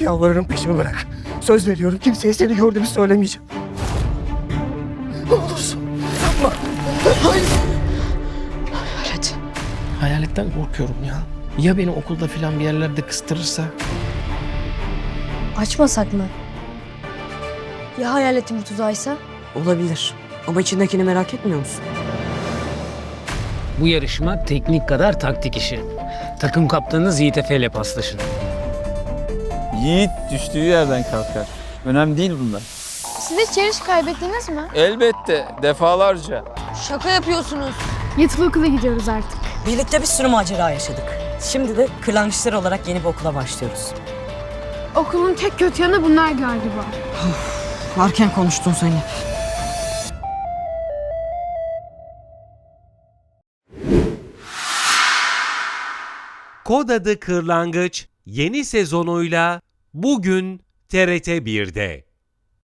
Yalvarırım peşimi bırak. Söz veriyorum kimseye seni gördüğümü söylemeyeceğim. Ne olursun yapma. Hayır. Hayalet. Hayaletten korkuyorum ya. Ya beni okulda filan bir yerlerde kıstırırsa? Açmasak mı? Ya hayaletin bir tuzağıysa? Olabilir. Ama içindekini merak etmiyor musun? Bu yarışma teknik kadar taktik işi. Takım kaptanınız Yiğit Efe ile paslaşın. Yiğit düştüğü yerden kalkar. Önemli değil bunlar. Siz hiç yarış kaybettiniz mi? Elbette, defalarca. Şaka yapıyorsunuz. Yatılı okula gidiyoruz artık. Birlikte bir sürü macera yaşadık. Şimdi de kırlangıçlar olarak yeni bir okula başlıyoruz. Okulun tek kötü yanı bunlar galiba. Varken konuştun Zeynep. Kod adı Kırlangıç yeni sezonuyla bugün TRT 1'de.